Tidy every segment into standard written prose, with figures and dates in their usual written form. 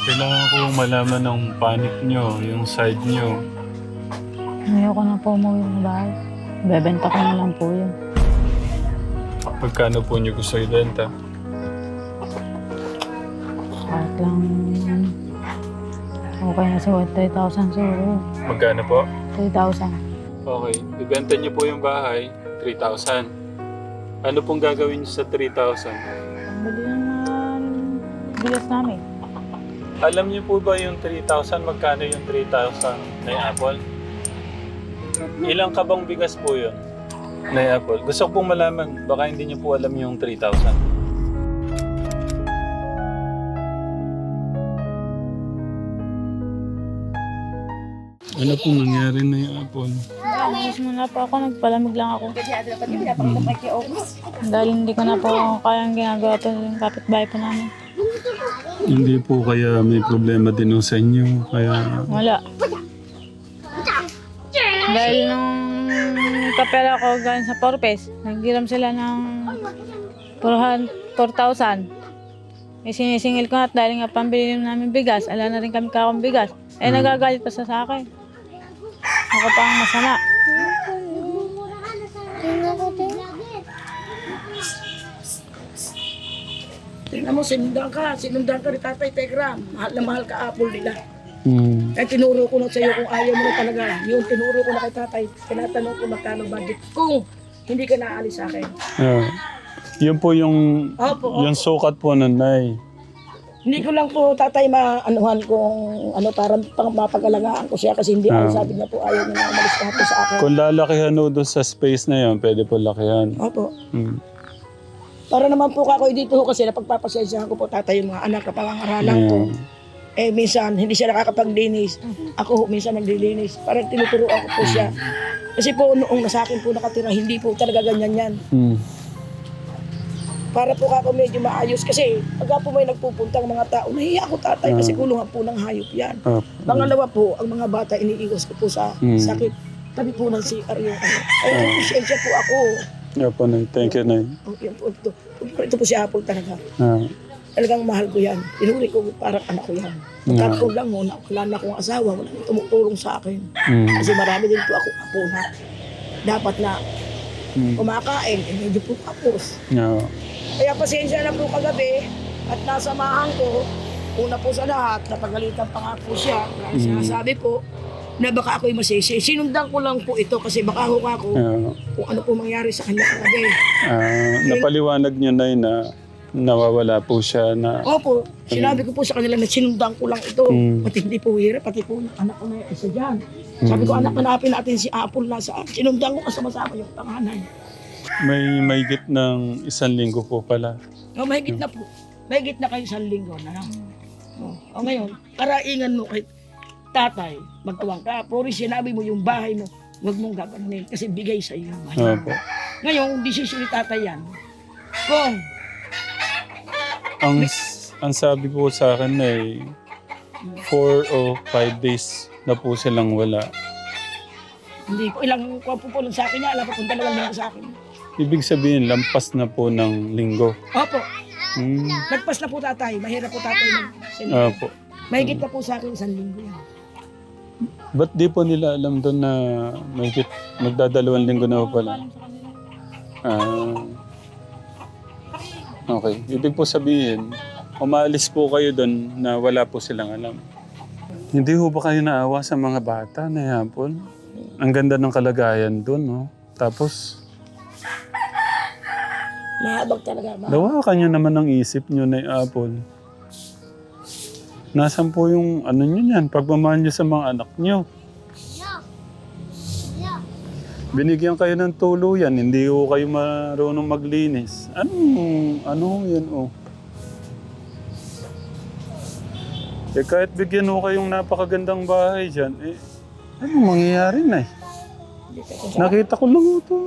Kailangan ko malaman ng panic nyo, yung side nyo. Ayoko na po umuwi ng bahay. Bebenta ko na lang po yun. Pagkano po nyo gusto ibenta? Kahit lang okay na sa 3,000 siguro. Magkano po? 3,000. Okay, ibenta nyo po yung bahay, 3,000. Ano pong gagawin nyo sa 3,000? Pambili ng bigas namin. Alam niyo po ba yung 3,000? Magkano yung 3,000 na apple? Ilang kabang bigas po yun na apple? Gusto ko pong malaman. Baka hindi niyo po alam yung 3,000. Ano pong nangyari na yung apple? Mismo na po ako, nagpalamig lang ako. Dahil hindi ko na po kayang ginagawa ito yung kapitbahay po namin. Hindi po kaya may problema din sa inyo. Kaya Wala. Dahil nung kapera ko galing sa Porpes, naghiram sila ng 4,000. Eh sinisingil ko at dahil nga pambili namin bigas, ala na rin kami kakong bigas. Eh nagagalit pa sa akin. Ako pa ang masama. Tingnan mo, sinundan ka ni Tatay Tegram. Mahal na mahal ka apple nila. mm, Kaya tinuro ko na sa'yo kung ayaw mo na talaga. Yung tinuro ko na kay Tatay, tinatanong ko magkano budget. Kung hindi ka naalis sa akin. yun po yung, Opo, yung sukat po nun, Nay. Hindi ko lang po Tatay maanuhan kung ano parang pang mapag-alagaan ko siya kasi hindi ako sabi niya po ayaw niya na umalis kahapon sa akin. Kung lalakihan no doon sa space na yun, pwede po lakihan. Opo. Mm. Para naman po ako dito kasi napagpapasensyahan ko po Tatay yung mga anak na pangangaralan ko. Eh minsan hindi siya nakakapaglinis. Ako minsan naglilinis. Parang tinuturuan ko po siya. Kasi po noong nasa akin po nakatira, hindi po talaga ganyan yan. Mm. Para po ako medyo maayos kasi pagka po may nagpupuntang mga tao, nahiya ako Tatay kasi kulungan po ng hayop yan. Pangalawa po, ang mga bata iniiwas ko po sa sakit. Tabi po ng CR yung ano. Ay, pasensya po ako. Yeah po, Nay. Thank you, Nay. Oh, yan po, ito po si Apple talaga. Ah. Talagang mahal ko yan. Tinuri ko parang anak ko yan. Pagkakapon lang mo, wala na akong asawa, wala nang tumutulong sa akin. Kasi marami din po ako apo na dapat na kumakain, eh medyo po tapos. Yeah. Kaya pasensya na po kagabi at nasamahan ko. Una po sa lahat, napagalitan pa nga po siya. Kaya sinasabi po na baka ako'y masisi. Sinundan ko lang po ito kasi baka hukha ko kung ano po mangyari sa kanya kagabi. Napaliwanag niyo, Nay, na nawawala po siya na... Opo, sinabi ko po sa kanila na sinundan ko lang ito. Pati hindi po hirap, pati po yung anak ko na yung isa dyan. Sabi ko, anak, hanapin natin si Apple na saan. Sinundan ko kasama-sama yung panganay. May mahigit ng 1 linggo po pala. O, mahigit na po. Mahigit na kayo 1 linggo na lang. O ngayon, karaingan mo kay Tatay, magtuwang ka. Puri sinabi mo yung bahay mo, huwag mong gaganin kasi bigay sa iyo yung bahay mo. Opo. Ngayon, desisyon ni Tatay yan. Kung Ang sabi po sa akin ay 4 o 5 days na po silang wala. hindi po, ilang kuha po lang sa akin niya, alam po kung 2 linggo sa akin. Ibig sabihin, lampas na po ng linggo. Opo, Hmm. nagpas na po Tatay. Mahirap po Tatay mag-send. Opo. Mahigit na po sa akin 1 linggo yan. Ba't di po nila alam doon na mahigit magdadalawang linggo na po pala? Okay. Ibig po sabihin, umalis po kayo doon na wala po silang alam. Hindi ho ba kayo naawa sa mga bata na yapon? Ang ganda ng kalagayan doon, no? Tapos, Mahabag talaga. dawakan nyo naman ang isip nyo na apple. Nasaan po yung ano nyo yan? Pagmamahal nyo sa mga anak nyo. Binigyan kayo ng tuluyan, hindi ho kayo marunong maglinis. Ano yan oh? Eh kahit bigyan ho kayong napakagandang bahay dyan, eh, anong mangyayari na eh? Nakita ko lang ito.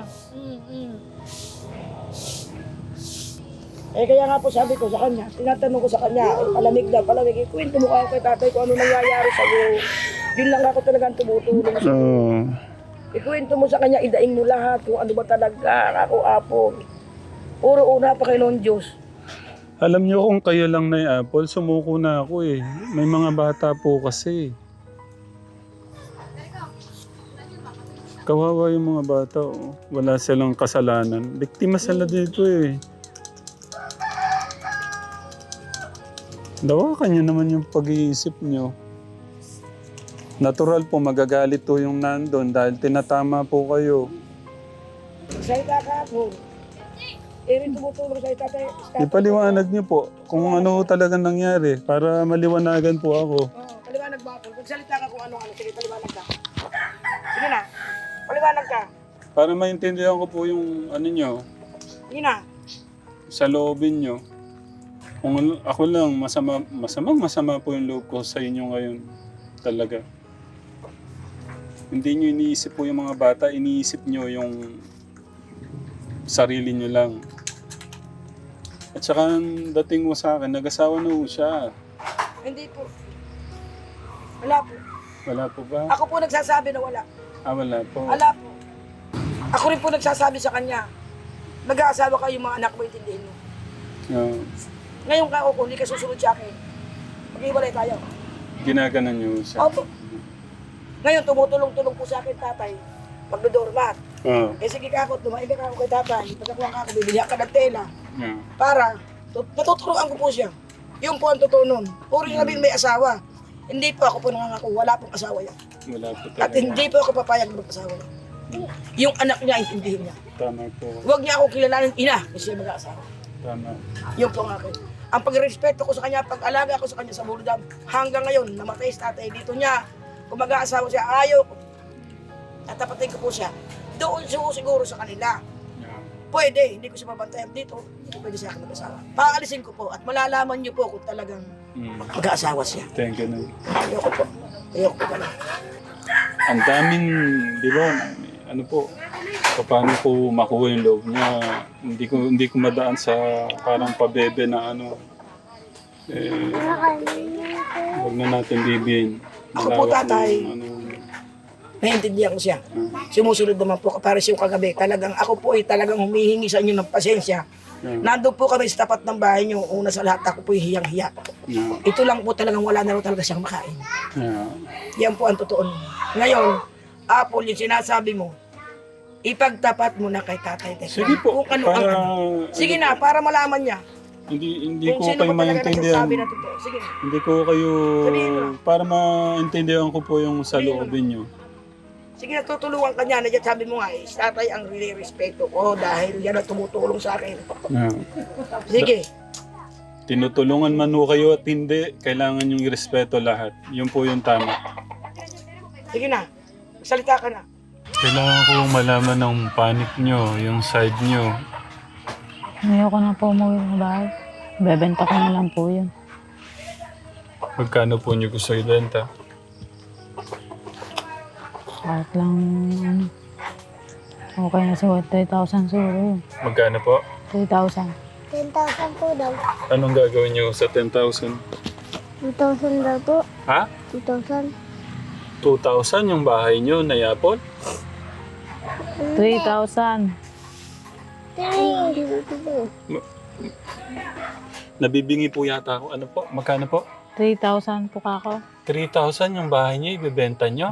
Eh kaya nga po sabi ko sa kanya, tinatanong ko sa kanya, palamig na, palamig. Kwento mo ako kay Tatay kung ano nangyayari sa'yo. Yun lang ako talagang tumutulong. Ikwento mo sa kanya, idaing mo lahat kung ano ba talaga, ako Apo. Puro una pa kay noon Diyos. Alam niyo kung kayo lang na Apple, sumuko na ako eh. May mga bata po kasi. Kawawa yung mga bata. Oh. Wala silang kasalanan. Biktima sila dito eh. Dawakan niyo naman yung pag-iisip niyo. Natural po, magagalit po yung nandun dahil tinatama po kayo. Salita ka po. Rin tumutulong sa tatay. Ipaliwanag niyo po kung ano talagang nangyari para maliwanagan po ako. Oo, paliwanag ba ako? Magsalita ka kung ano-ano. Sige, paliwanag ka. Sige na. Paliwanag ka. Para maintindihan ko po yung ano niyo, Sige na. sa loobin niyo. Kung ako lang, masama po yung loob ko sa inyo ngayon. Talaga. Hindi niyo iniisip po yung mga bata, iniisip niyo yung sarili niyo lang. At saka ang dating mo sa akin, nag-asawa na po siya. Hindi po. Wala po. Wala po ba? Ako po nagsasabi na wala. Wala po. Wala po. Ako rin po nagsasabi sa kanya. Mag-aasawa kayo mga anak mo, intindihin mo. Ah, Ngayon ka ako, kung hindi ka susunod sa akin, mag-iwalay tayo. ginaganan niyo siya. Opo. Ngayon, tumutulong-tulong po sa akin, tatay. Magdodormat. Ah, Eh sige ka ako, tumain ka ako kay tatay. Pagkakuha ka ako, bibili ka ng tela. yeah. Para, natuturuan ko po siya. Yun po ang totoo nun. Puro sabihin may asawa. Hindi po ako po nangangako, wala pong asawa yan. Wala po At talaga. hindi po ako papayag na mag-asawa yan. Yung anak niya, intindihin niya. Tama po. Huwag niya akong kilalanin ina kasi siya mag-aasawa. Tama. Yun po ang akin. Ang pagrespeto ko sa kanya, pag-alaga ko sa kanya sa Buludam, hanggang ngayon, namatay sa tatay dito niya. Kung mag-aasawa siya, ayaw ko. Tatapatin ko po siya. Doon siguro sa kanila. Yeah. Pwede, hindi ko siya mabantayan dito. Hindi pwede siya ako mag-asawa. Paalisin ko po at malalaman niyo po kung talagang mag-aasawa siya. Thank you. Ayoko po. Ayoko po pala. Ang daming, di ba, ano po, paano ko makuha yung loob niya. Hindi ko madaan sa parang pabebe na ano. Eh, huwag na natin bibihin. Ako po, tatay. Ano, Naiintindihan ko siya. Sumusunod naman po para siya kagabi. Talagang ako po ay talagang humihingi sa inyo ng pasensya. Nandun po kami sa tapat ng bahay niyo. Una sa lahat ako po hiyang-hiya. yeah, Ito lang po talagang wala na rin talaga siyang makain. yeah. Yan po ang totoo. Ngayon, Apple, yung sinasabi mo, ipagtapat mo na kay Tatay Tekla. Sige po, Kung ano ang para, ano. Sige na, para malaman niya. hindi Kung ko sino kayo ba talaga maintindihan. nagsasabi na totoo. Sige. Hindi ko kayo, Sabihin mo. para maintindihan ko po yung sa Sabihin mo. loobin niyo. Sige na, tutulungan ka niya. Nandiyan sabi mo nga, tatay ang respeto ko dahil yan ang tumutulong sa akin. Yeah. Sige. Tinutulungan man ho kayo at hindi, kailangan yung irespeto lahat. Yun po yung tama. Sige na. Salita ka na. Kailangan ko malaman ng panic nyo, yung side nyo. Ayoko na po umuwi ng bahay. Bebenta ko na lang po yun. Magkano po nyo gusto ibenta? Kahit lang, okay na siguro 3,000 siguro yun. Magkano po? 3,000. 10,000 po daw. Anong gagawin nyo sa 10,000? 2,000 daw po. Ha? 2,000. 2,000 yung bahay nyo na yapon? 3,000. Nabibingi po yata ako. Ano po? Magkano po? 3,000 po kako. 3,000 yung bahay nyo, ibibenta nyo?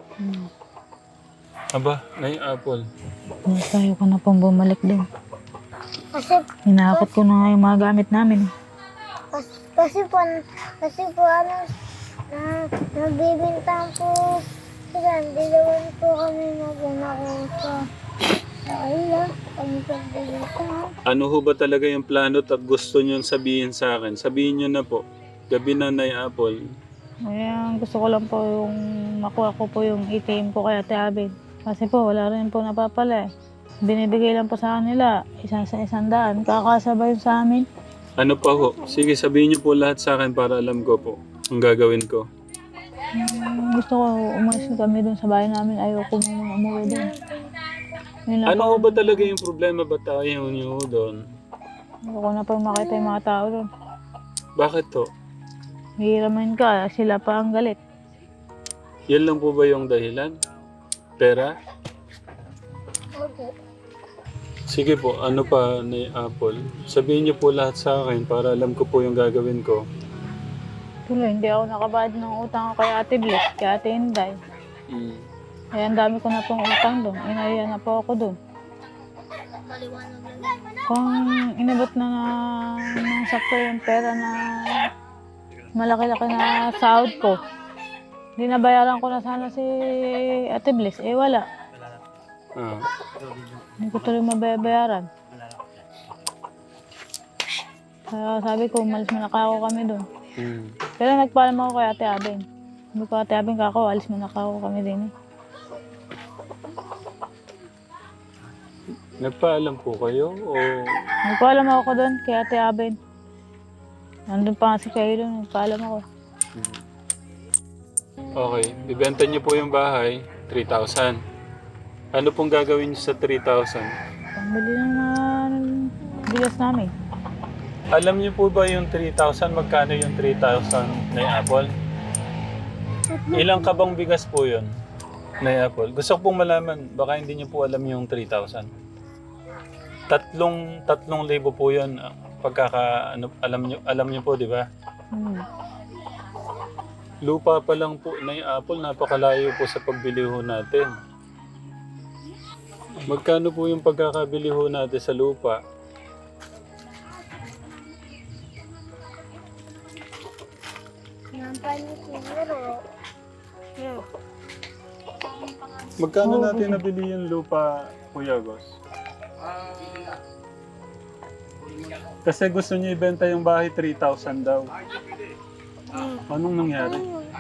Aba, na yung apple. Tayo ko na pong bumalik din. Kasi, Hinakot ko na nga yung mga gamit namin. kasi po ano, nabibintang po sila. Hindi naman po kami magunako sa ayun. Kami pagbibintang. Ano ho ba talaga yung plano at gusto nyo sabihin sa akin? Sabihin nyo na po. Gabi na na yung apple. Kaya gusto ko lang po yung makuha ko po yung ATM ko kay Ate Abel. Kasi po wala rin po napapala eh. Binibigay lang po sa kanila, isa sa 100. Kakasabay yun sa amin. Ano pa ho? Sige, sabihin niyo po lahat sa akin para alam ko po ang gagawin ko. Gusto ko umalis kami dun sa bahay namin. Ayoko muna umuwi dun. Yun lang Ano ho po. ba talaga yung problema ba tayo niyo doon? Ayoko na po makita yung mga tao dun. Bakit to? Hihiramin ka, sila pa ang galit. Yan lang po ba yung dahilan? Pera? Opo. Sige po, ano pa ni Apple? Sabihin niyo po lahat sa akin para alam ko po yung gagawin ko. Tuloy, hindi ako nakabayad ng utang ko kay Ate Bliss, kay Ate Inday. Mm. Kaya ang dami ko na pong utang doon. Inaya na po ako doon. Kung inabot na ng sakto yung pera na malaki-laki na sahod ko, dinabayaran ko na sana si Ate Bliss. Eh wala. Ah. Hindi ko tuloy mabayaran. Kaya sabi ko, umalis mo na ako kami doon. Mm. Pero nagpaalam ako kay Ate Abing. Sabi ko, Ate Abing, kako, alis mo na ako kami din. Nagpaalam po kayo o Nagpaalam ako doon kay Ate Abing. Nandun pa nga si Kayo doon, nagpaalam ako. okay, bibenta niyo po yung bahay, 3,000. Ano pong gagawin niyo sa 3,000? Pambili lang na bigas namin. Alam niyo po ba yung 3,000? Magkano yung 3,000 na Apple? Ilang kabang bigas po yun na Apple? Gusto ko pong malaman, baka hindi niyo po alam yung 3,000. 3,000 po yun. Alam niyo po, di ba? Lupa pa lang po na Apple, napakalayo po sa pagbili ho natin. Magkano po yung pagkakabili ho natin sa lupa? Magkano natin nabili yung lupa, Kuya Gos? Kasi gusto niya ibenta yung bahay 3,000 daw. Anong nangyari?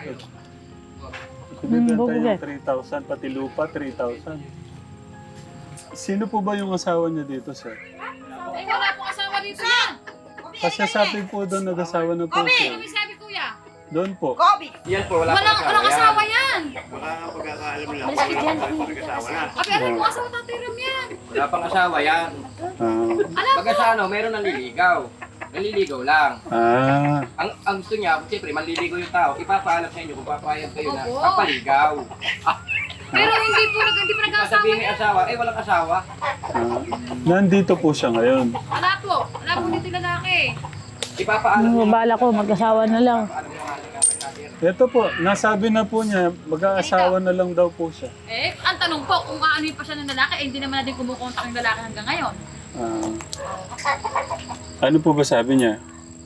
Ibenta yung 3,000, pati lupa 3,000. Sino po ba yung asawa niya dito, sir? Ay, wala pong asawa dito yan. Kasi sabi po doon nag-asawa na po siya. Ano sabi kuya? Doon po. Yan po, wala Walang asawa yan. Wala nga pagkakaalam lang. Wala pag-asawa na. Abi, ano yung asawa Tatay Ram yan? Wala pang asawa yan. Pag sa ano, meron naliligaw. Naliligaw lang. Ang gusto niya, siyempre, manliligaw yung tao. Ipapaalam sa inyo kung papayag kayo na Opo. papaligaw. Pero hindi po nag-asawa Sasabihin may yan. asawa, walang asawa. Nandito po siya ngayon. Wala po. Wala po dito yung lalaki. Ipapaalam Yung bala ko, mag-asawa na lang. Ito po, nasabi na po niya, mag-aasawa na lang daw po siya. Eh, ang tanong po, kung aano pa siya ng lalaki, eh, hindi naman natin kumukontak yung lalaki hanggang ngayon. Ano po ba sabi niya?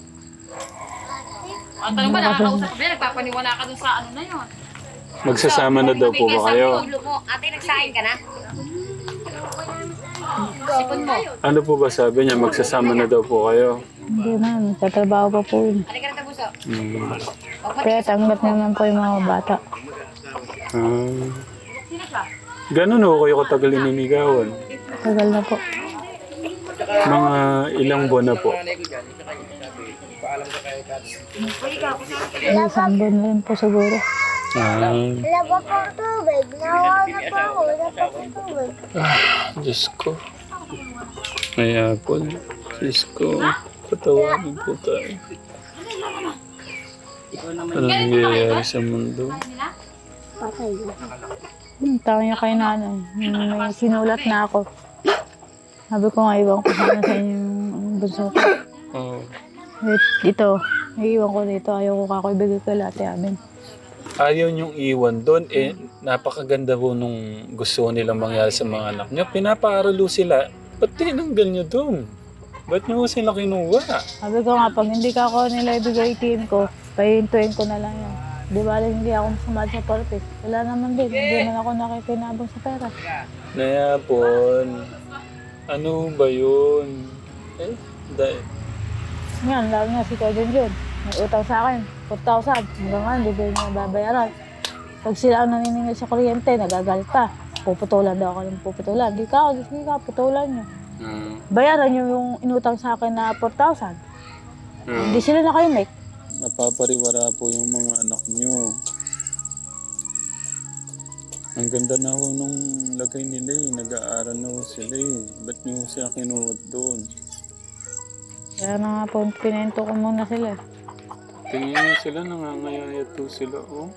Ang tanong ba, nakakausap ba yan? Nagpapaniwala ka dun sa ano na yun. Magsasama na daw po ba kayo? Ate, nagsahin ka na? Sipon mo. Ano po ba sabi niya? Magsasama na daw po kayo? Hindi man, tatrabaho pa po yun. Halika na tabuso. Kaya tanggap naman po yung mga bata. Sino siya? Ganun ho kayo katagal ininigawan. Tagal na po. Mga ilang buwan na po. nanay ko dyan, isa kayo sabi, ipaalam ka kayo dati. Isang buwan na rin po siguro. Wala pa pong tubig. Nawa na po ako. Wala pa pong tubig. Diyos ko. May Apple. Diyos ko. Patawagin po tayo. Anong nangyayari sa mundo? Tawag niya kay nanay. May sinulat na ako. Sabi ko nga, iwan ko sana sa inyo yung bunso ko. Oh. Ito, iiwan ko dito. Ayaw ko kako ibigay kay Ate Amin. Ayaw niyong iwan doon. Eh, napakaganda po nung gusto nilang mangyari sa mga anak niyo. Pinapaaralo sila. Ba't tinanggal niyo doon? Ba't niyo sila kinuha? Sabi ko nga, pag hindi ka ako nila ibigay team ko, pahintuin ko na lang yan. Di ba hindi ako sumad sa purpose? Wala naman din. Hindi naman ako nakikinabang sa pera. Nayapon. Ano ba yun? Eh, dahil. Yan, lalo na si Kevin Jun. May utang sa akin, 4,000. Hanggang nga, hindi ko niya babayaran. Pag sila ang naniningil sa kuryente, nagagalit pa. Puputulan daw ako ng puputulan. Di ka, putulan niyo. Bayaran niyo yung inutang sa akin na 4,000. Hindi sila nakaimek. Napapariwara po yung mga anak niyo. Ang ganda na ho nung lagay nila eh. Nag-aaral na ho sila eh. Ba't niyo siya kinuha doon? Kaya na nga po, pinento ko muna sila. Tingin niyo sila, nangangayayat po sila oh.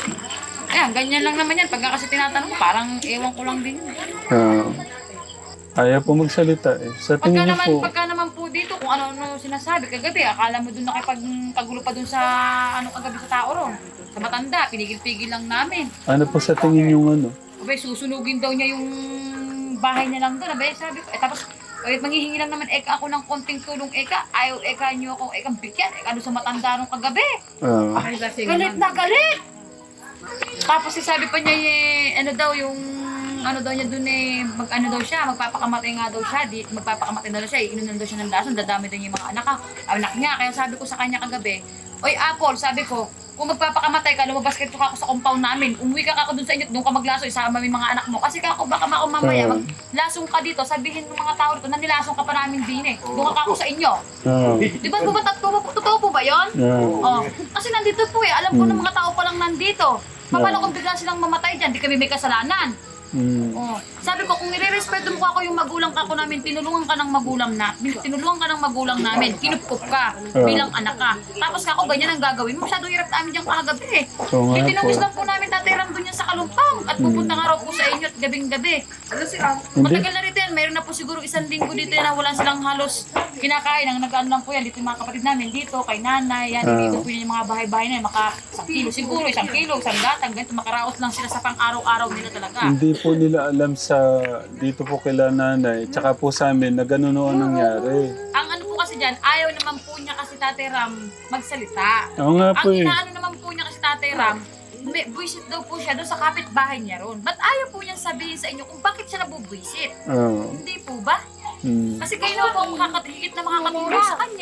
Ayan, ganyan lang naman yan. Pagka kasi tinatanong, parang ewan ko lang din. Ayaw po magsalita eh. Sa tingin niyo po, Pagka naman po dito, kung ano sinasabi, kagabi, akala mo dun nakipagkagulo pa dun sa, kagabi sa tao ron. Sa matanda, pinigil-pigil lang namin. ano po sa tingin yung ano? Abay, susunugin daw niya yung bahay niya lang doon. Abay, sabi ko, tapos, manghihingi lang naman eka ako ng konting tulong eka. Ayaw eka niyo ako ekang bigyan. Eka doon sa matanda nung kagabi. Galit na galit! Tapos sabi pa niya, ano daw niya doon daw siya, magpapakamatay nga daw siya, magpapakamatay daw siya, iinom daw siya ng lason, dadami daw yung mga anak niya. Kaya sabi ko sa kanya kagabi, oy Apple, sabi ko, kung magpapakamatay ka, lumabas ka ako sa compound namin, umuwi ka ako doon sa inyo, doon ka maglaso, isama mo yung mga anak mo. Kasi baka mamaya, maglasong ka dito, sabihin ng mga tao dito na nilasong ka pa namin din doon ka ako sa inyo. Di ba totoo po ba yun? Oh. Kasi nandito po alam ko ng mga tao pa lang nandito. Paano kung bigla silang mamatay dyan, di kami may kasalanan. Oh. Sabi ko, kung nire-respeto mo ako yung magulang ka namin, tinulungan ka ng magulang namin, kinupkup ka bilang anak ka. Tapos ako, ganyan ang gagawin mo. Masyadong hirap namin dyan kagabi Tinubis lang po namin tatiram doon yan sa Kalumpang at pupunta nga raw po sa inyo at gabing-gabi. Matagal na rito yan, mayroon na po siguro 1 linggo dito na wala silang halos kinakain. Ang nag-ano lang po yan, dito yung mga kapatid namin, dito kay nanay, yan, dito po yung mga bahay-bahay na yan, maka 1 kilo siguro, 1 kilo, 1 gatang, ganito, makaraos lang sila sa pang-araw-araw nila talaga. Hindi po nila alam sa dito po kila nanay, tsaka po sa amin na ganun ang nangyari. Ang ano po kasi dyan, ayaw naman po niya kasi Tatay Ram magsalita. Oo nga po Ang eh. inaano naman po niya kasi Tatay Ram, buwisit daw po siya doon sa kapitbahay niya ron. Ba't ayaw po niyang sabihin sa inyo kung bakit siya nabubuwisit? Hindi po ba? Kasi kayo na po ang higit na makakatulong sa kanya.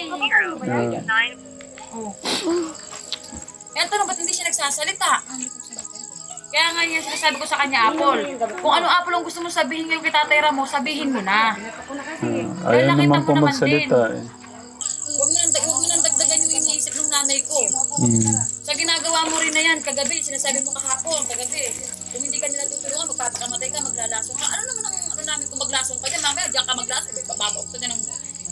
Oh. Kaya tanong, ba't hindi siya nagsasalita? Kaya nga niya sinasabi ko sa kanya, Apple. Kung ano Apple ang gusto mo sabihin ngayon kay Tatay Ram mo, sabihin mo na. Ayaw naman po magsalita eh. Huwag mo nang dagdagan yung iniisip ng nanay ko. Sa ginagawa mo rin na yan, kagabi, sinasabi mo kahapon, kagabi. Kung hindi ka nila tutulungan, magpapakamatay ka, maglalasong ka. Ano naman ang namin kung maglasong ka dyan? Mamaya, diyan ka maglasong. May bababok ka din ng...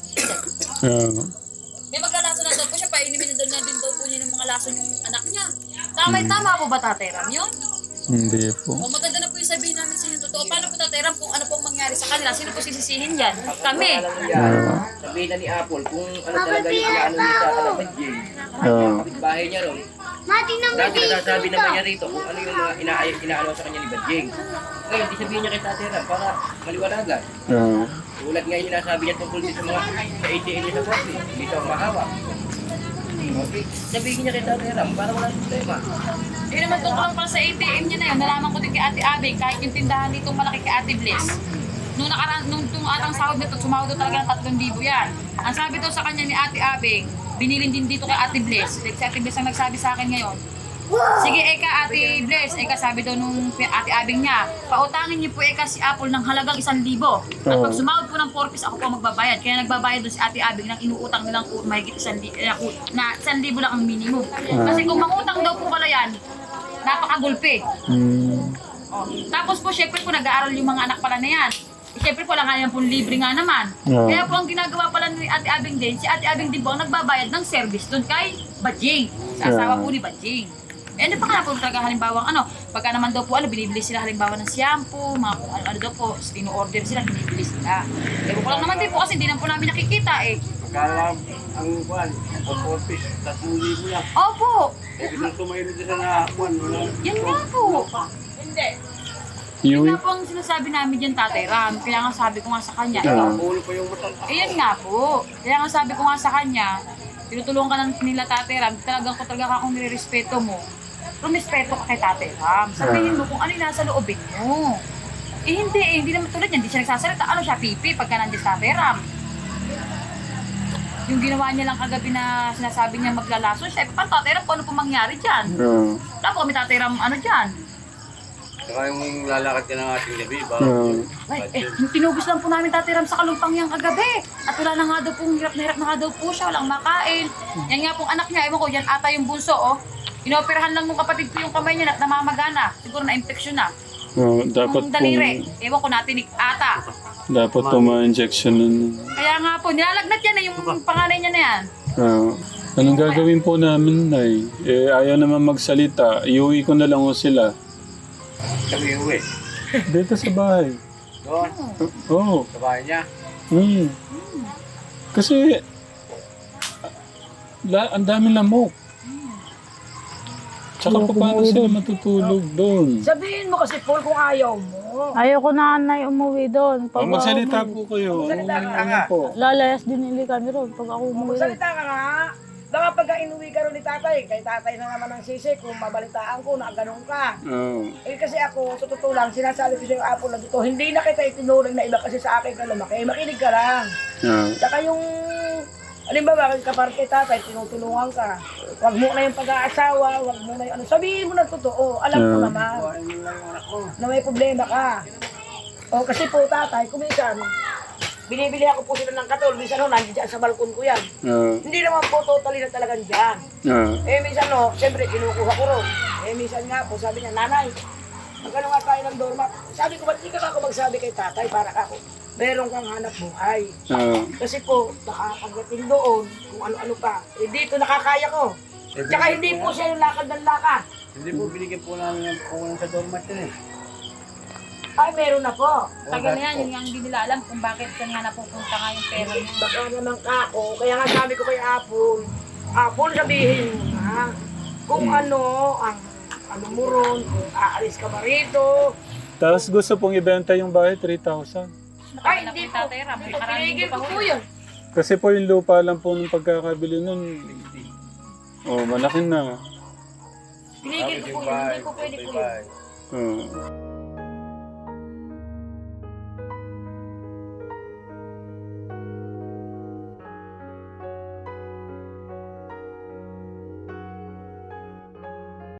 May maglalasong na daw po siya, painimin na din daw po niya ng mga lason yung anak niya. Tama po ba, Tatay Ram, yun? Hindi po. O maganda na po yung sabihin namin sa inyo totoo. Paano po Tatay Ram kung ano pong mangyari sa kanila? Sino po sisisihin dyan? Kami. Sabihin na ni Apple kung ano talaga yung ano niya sa Kalabadjing. Kapitbahay niya ron. Dati nasasabi naman niya rito kung ano yung mga inaano sa kanya ni Badjing. Ngayon, di sabihin niya kay Tatay Ram para maliwanagan. Tulad ngayon yung nasabi niya tungkol din sa mga sa ATM niya sa Boston. Hindi siya mahawak. Okay, sabihin niya kay Tatay Ram para wala problema. Yun naman tungkol lang pala sa ATM niya na yun. Nalaman ko din kay Ate Abing, kahit yung tindahan dito malaki kay Ate Bliss. Nung atang sahod nito, sumahod daw talaga ng 3,000 yan. Ang sabi daw sa kanya ni Ate Abing, binilin din dito kay Ate Bliss. Like si Ate Bliss ang nagsabi sa akin ngayon. Sige Eka, Ate Bliss. Eka sabi daw nung Ate Abing niya, pautangin niyo po Eka si Apple ng halagang 1,000. At pag sumahod po ng 4 piece, ako po magbabayad. Kaya nagbabayad doon si Ate Abing ng inuutang nilang mahigit 1,000 na 1,000 lang ang minimum. Kasi kung mangutang daw po pala yan, napakagulpi. Oh. Tapos po, syempre po, nag-aaral yung mga anak pala na yan. Syempre po, lang nga yan po libre nga naman. Kaya po, ang ginagawa pala ni Ate Abing din, si Ate Abing din po ang nagbabayad ng service doon kay Badjing. Sa asawa po ni Badjing. Eh, ano pa nga po talaga halimbawa, pagka naman daw po, binibili sila halimbawa ng shampoo, mga ano daw po, ino-order sila, binibili sila. Ewan ko lang naman din po kasi hindi naman po namin nakikita eh. Kaya ang kuwan, ang office, 3,000 lang. Opo! Eh, binang tumayo na sa na kuwan, wala. Yan nga po. Hindi. Yun nga po ang sinasabi namin dyan, Tatay Ram. Kaya nga sabi ko nga sa kanya, Ulo pa yung mata. ayan nga po. Kaya nga sabi ko nga sa kanya, tinutulungan ka ng nila Tatay Ram, talaga kung nire-respeto mo, rumispeto ka kay Tatay Ram. Sabihin mo kung ano yung nasa loobin mo. Hindi naman tulad yan, hindi siya nagsasalita. Ano siya, pipi, pagka nandiyan sa Tatay Ram. Yung ginawa niya lang kagabi na sinasabi niya maglalaso siya, paano Tatay Ram, kung ano pong mangyari dyan? Tapos kami Tatay Ram, ano dyan? Saka yung lalakad ka ng ating gabi, ba? Yung tinubos lang po namin Tatay Ram sa Kalumpang yung kagabi. At wala na nga daw pong hirap na nga daw po siya, walang makain. Yan nga pong anak niya, ewan ko, yan ata yung bunso, oh. Inoperahan lang nung kapatid ko yung kamay niya at namamagana. Siguro na-infection na. Dapat Yung daliri, ewan ko natinik ata. dapat po ma-injection nun. Kaya nga po, nilalagnat yan yung panganay niya na yan. Anong gagawin po namin, Nay? Eh, ayaw naman magsalita. Iuwi ko na lang ho sila. Kami uwi. Dito sa bahay. Doon, Oo. sa bahay niya. Kasi, ang dami lamok. Tsaka pa paano sila matutulog doon? Sabihin mo kasi, Paul, kung ayaw mo. Ayoko na Nay umuwi doon. Pag Magsalita ako po kayo. Magsalita ka Ano po? lalayas din nili kami ron pag ako umuwi doon. Magsalita ka nga. Baka pagka inuwi ka rin ni tatay, kay tatay na naman ang sisi kung mabalitaan ko na ganun ka. Oo. Eh kasi ako, sa totoo lang, sinasabi ko sa yung Apple na dito, hindi na kita itinuring na iba kasi sa akin ka lumaki. Makinig ka lang. Saka yung, halimbawa, kaparte tatay, tinutulungan ka. Huwag mo na yung pag-aasawa, huwag mo na yung ano. Sabihin mo na totoo, alam ko naman Buhayin mo lang yung anak ko. na may problema ka. O kasi po tatay, kumisan, binibili ako po sila ng katol, minsan ho, nandiyan dyan sa balkon ko yan. Hindi naman po totally na talagang dyan. Eh minsan no, siyempre kinukuha ko ron. Eh minsan nga po, sabi niya, nanay, magkano nga tayo ng doormat? Sabi ko, ba't di ka ako magsabi kay tatay para ako? Meron kang hanap buhay. Kasi po, baka pagdating doon, kung ano-ano pa, eh dito nakakaya ko. Tsaka hindi po siya yung lakad ng lakad. Hindi po binigyan po namin yung pukunan sa doormat yun eh. Ay, meron na po. Tagal na yan, yun nga hindi nila alam kung bakit saan nga napupunta nga yung pera niya. Baka naman kako, kaya nga sabi ko kay Apple, Apple sabihin mo na kung ano ang ano mo ron, kung aalis ka ba rito. Tapos gusto pong ibenta yung bahay, 3,000. Ay, Nakapila hindi po po. Tatay Ram, Hindi po, parang pinigil hindi ko pa po huli. yun. Kasi po yung lupa lang po nung pagkakabili nun. Oh, malaki na. Pinigil ko po yun, hindi po pwede po yun. Oo.